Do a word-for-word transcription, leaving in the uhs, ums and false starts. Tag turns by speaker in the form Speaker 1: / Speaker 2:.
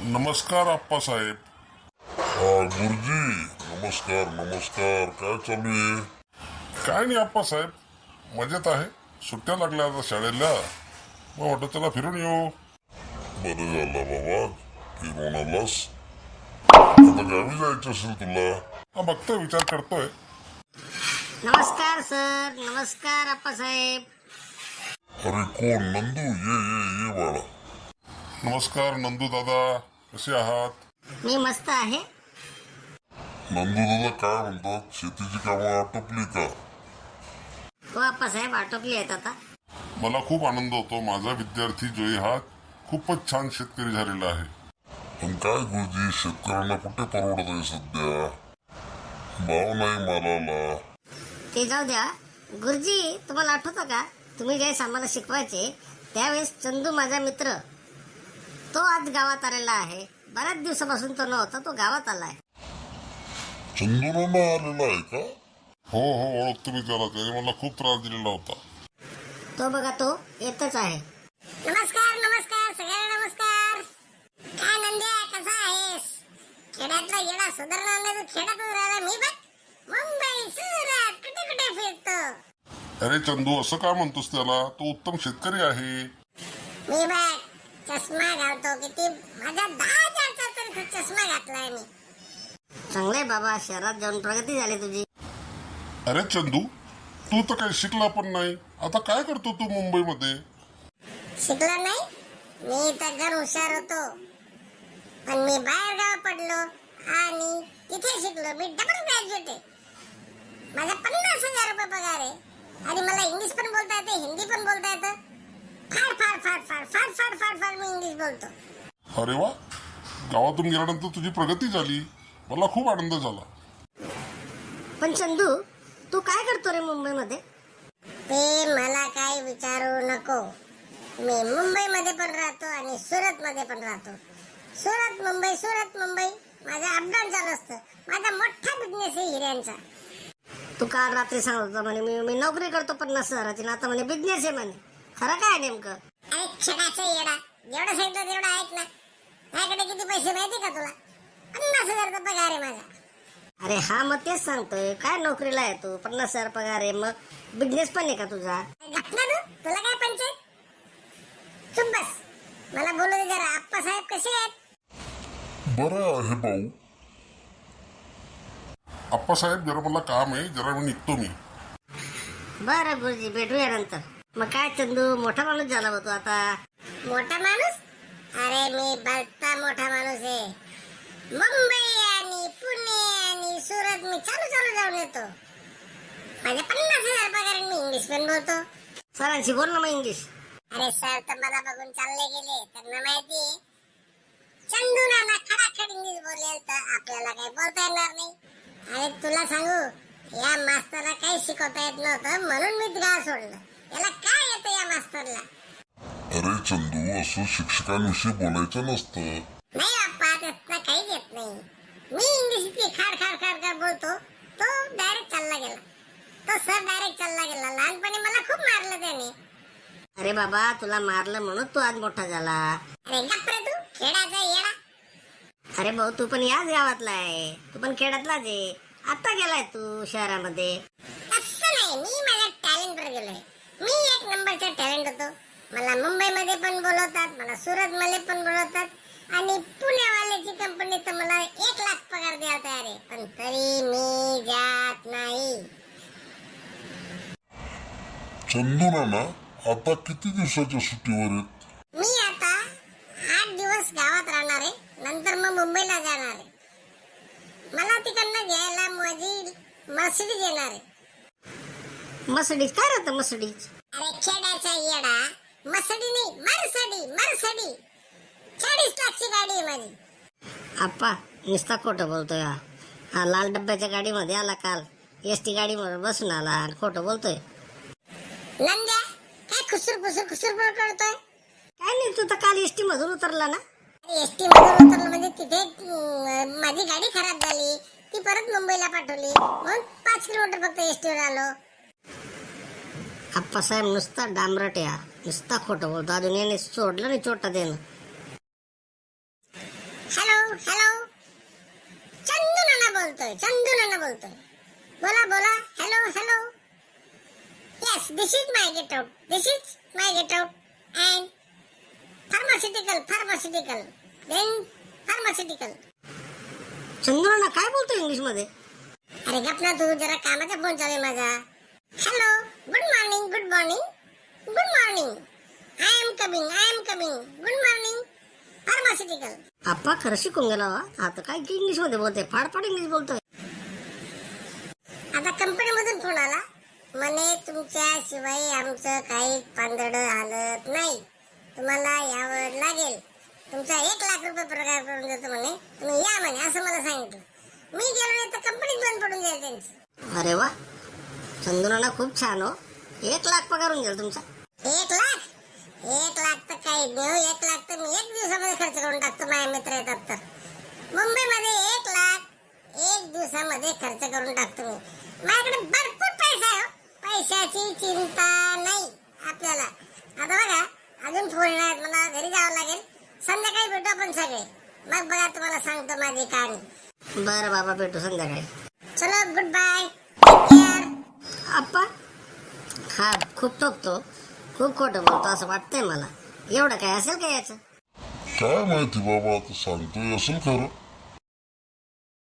Speaker 1: नमस्कार आप्पासाहेब.
Speaker 2: हा गुरुजी, नमस्कार नमस्कार. काय चालू आहे?
Speaker 1: काय नाही आप्पासाहेब, मजेत आहे. सुट्ट्या लागल्या आता शाळेला, मग वाटत त्याला फिरून येऊ.
Speaker 2: बरं झालं बाबा, फिरून आलास. आता गावी जायचं असेल तुला.
Speaker 1: हा बघतोय, विचार करतोय.
Speaker 3: नमस्कार सर. नमस्कार आप्पासाहेब.
Speaker 2: अरे कोण? नंदू, ये ये ये बाळा.
Speaker 1: नमस्कार नंदू दादा, कसे आहात?
Speaker 3: मी मस्त आहे.
Speaker 2: नंदू दादा काय म्हणतात, शेतीची कामं आटोपली का?
Speaker 3: हो आप्पासाहेब, आटोपली आहेत आता.
Speaker 1: मला खूप आनंद होतो. माझा विद्यार्थी जोई हा खूपच छान शेतकरी झालेला आहे.
Speaker 2: पण काय गुरुजी, शेतकऱ्यांना कुठे परवडत आहे सध्या? भाव नाही मालाला.
Speaker 3: ते जाऊ द्या. गुरुजी, तुम्हाला आठवतं का, तुम्ही ज्यावेळेस आम्हाला शिकवायचे त्यावेळेस चंदू माझा मित्र, तो आज गावात आलेला आहे. बऱ्याच दिवसापासून तो नव्हता, तो गावात आलाय.
Speaker 2: चंदूरांना आलेला आहे का?
Speaker 1: हो हो, ओळखतो मी त्याला. त्याने मला खूप त्रास दिलेला होता.
Speaker 3: तो बघा, तो येतच आहे. नमस्कार नमस्कार सगळ्यांना नमस्कार. काय नंद्या, कसा आहेस? खेड्यातला येडा सुधारला नाही, तू खेड्यातच राहिला. मी बघ मुंबई सुरत कुठे कुठे फिरतो.
Speaker 1: अरे चंदू, असं काय म्हणतोस त्याला? तो उत्तम शेतकरी आहे.
Speaker 3: मी बघ चष्मा घालतो, किती माझ्या दहा हजारचा तरी चष्मा घातलाय मी. चांगलंय बाबा, शहरात जाऊन प्रगती झाली तुझी.
Speaker 1: अरे चंदू, तू तर काही शिकला पण नाही. आता काय करतो तू मुंबईमध्ये?
Speaker 3: शिकला नाही मी तर घर हुशार होतो, पण मी बाहेर गाव पडलो आणि तिथे शिकलो. मी डबल ग्रॅज्युएट आहे. माझा पन्नास हजार रुपये पगार आहे आणि मला इंग्लिश पण बोलता येते, हिंदी पण बोलता येतं. फार फार फार फार फार फार फार फार मी इंग्लिश बोलतो.
Speaker 1: अरे वा, गावातून गेल्यानंतर तुझी प्रगती झाली. मला खूप आनंद झाला.
Speaker 3: पण चंदू, तू काय करतो रे मुंबईमध्ये? ते मला काही विचारू नको. मी मुंबईमध्ये पण राहतो आणि सुरत मध्ये पण राहतो. सुरत मुंबई, सुरत मुंबई, माझं अपडाऊन चालू असतं. माझा मोठा बिझनेस आहे हिऱ्यांचा. तू काल रात्री सांगत होता म्हणे मी मी नोकरी करतो पन्नास हजाराची, आता म्हणे बिझनेस आहे म्हणे. खरं काय नेमकं? अरे क्षणाचा येडा, जेवढं सांगितलं तेवढं ऐक ना. माझ्याकडे किती पैसे माहिती का तुला? पन्नास हजारचा पगार आहे माझा. अरे हा, मग तेच सांगतोय. काय नोकरीला आहे तू, पन्नास हजार पगार आहे, मग बिझनेस पण आहे का तुझा? तुला काय पंचायत? चुप बस, मला बोलू दे जरा. आप्पासाहेब कसे आहेत?
Speaker 2: बरं आहे भाऊ.
Speaker 1: आप्पासाहेब, जरा मला काम आहे, जरा मी निघतो मी.
Speaker 3: बरं गुरुजी, भेटूया नंतर. मग काय चंदू, मोठा माणूस झाला होतो आता. मोठा माणूस? अरे मी भलता मोठा माणूस आहे. मुंबई आणि पुणे आणि सुरत मी चालू चालू जाऊन येतो. माझ्या पन्नास हजार पगार, मी इंग्लिश पण बोलतो. सरांशी बोल ना मग इंग्लिश. अरे सर तर मला बघून चालले गेले. त्यांना माहिती चंदू नाना खडाखड इंग्लिश बोलेल तर आपल्याला काही बोलता येणार नाही. अरे तुला सांगू, या मास्तरला काही शिकवता येत नव्हतं, म्हणून मी गाव सोडलं. याला काय येतं या मास्तरला?
Speaker 2: अरे चंदू, असं शिक्षकांविषयी बोलायचं नसतं.
Speaker 3: नाही बाप्पा, त्यातला काहीच येत नाही. मी इंग्लिश इतकी खाड खाड खाड खाड बोलतो, तो डायरेक्ट चालला गेला. तो सर डायरेक्ट चालला गेला. लहानपणी मला खूप मारलं त्याने. अरे बाबा, तुला मारलं म्हणून तू आज मोठा झाला. अरे गप्प रे तू, खेळाचा येडा. अरे भाऊ, तू पण याच गावातला आहे, तू पण खेड्यातलाच आहे. आता गेलाय तू शहरामध्ये. असं नाही, मी माझ्या टॅलेंट वर गेलोय. मी एक नंबरचा टॅलेंट होतो. मला मुंबईमध्ये पण बोलवतात, मला सुरत मध्ये पण बोलवतात आणि पुण्यावाल्याची कंपनी तर मला एक लाख पगार द्यायला तयार आहे, पण तरी मी जात नाही.
Speaker 2: चंदू नाना आता किती दिवसाच्या सुट्टीवर आहेत?
Speaker 3: मी आता आठ दिवस गावात राहणार आहे, नंतर मग मुंबईला जाणार आहे. मला तिकडनं घ्यायला माझी मर्सिडीज येणार आहे. मर्सिडीज काय राहतं मर्सिडीज? अरे खेड्याचा येडा, मर्सिडी नाही, मर्सिडी मर्सिडी. चाळीस लाखची गाडी आहे माझी. आप्पा नुसता खोटं बोलतोय हा. हा लाल डब्याच्या गाडीमध्ये आला काल, एस टी गाडीमध्ये बसून आला आणि खोटं बोलतोय. नंद्या, काय खुसूर खुसूर खुसूर करतोय? काय नाही, तू तर काल एस टी मधून उतरला ना? एस टी मधून उतरलं म्हणजे तिथे माझी गाडी खराब झाली, ती परत मुंबईला पाठवली, मग पाच किलोमीटर फक्त एस टीवर आलो. आप्पासाहेब नुसता डांबरट या, नुसता खोटं बोलतो. अजून याने सोडलं नाही चोटा देणं. Is my get out, this is my get out, and pharmaceutical pharmaceutical then pharmaceutical.
Speaker 4: चंद्राना काय बोलतो इंग्लिश मध्ये?
Speaker 3: अरे गप ना तू, जरा कामाचा फोन चालू आहे माझा. Hello, good morning, good morning, good morning, I am coming, I am coming, good morning, pharmaceutical.
Speaker 4: आप्पा खरं शिकून गेला हो. आता काय की इंग्लिश मध्ये बोलतोय, फाडफाड इंग्लिश बोलतोय.
Speaker 3: आता कंपनी मधून फोन आला म्हणे तुमच्याशिवाय आमचं काही पांदड हालत नाही, तुम्हाला यावं लागेल, तुमचा एक लाख रुपये पगार करून देतो म्हणे, तुम्ही या म्हणे, असं मला सांगितलं. मी गेलो नाही तर कंपनीत बंद पडून जाईल त्यांची.
Speaker 4: अरे वा, चंद्राना खूप छान हो. एक लाख पगार होऊन गेला तुमचा.
Speaker 3: एक लाख एक लाख तर काही देऊ, एक लाख तर मी एक दिवसामध्ये खर्च करून टाकतो, माझे मित्र येतात तर. मुंबईमध्ये एक लाख एक दिवसामध्ये खर्च करून टाकतो मी. माझ्याकडे भरपूर पैसा आहे हो. पैशाची चिंता नाही आपल्याला. आता बघा अजून फोन येणार, मला घरी जावं लागेल, संध्याकाळी भेटू आपण सगळे, मग बघा तुम्हाला सांगतो माझी कहाणी.
Speaker 4: बरं बाबा, भेटू संध्याकाळी.
Speaker 3: चलो गुड बाय, टेक केअर.
Speaker 4: आप्पा हा खूप ठोकतो, खूप खोटं बोलतो असं वाटतंय मला. एवढं काय असेल का याचं?
Speaker 2: काय माहिती बाबा, आता सांगतोय असेल खरं.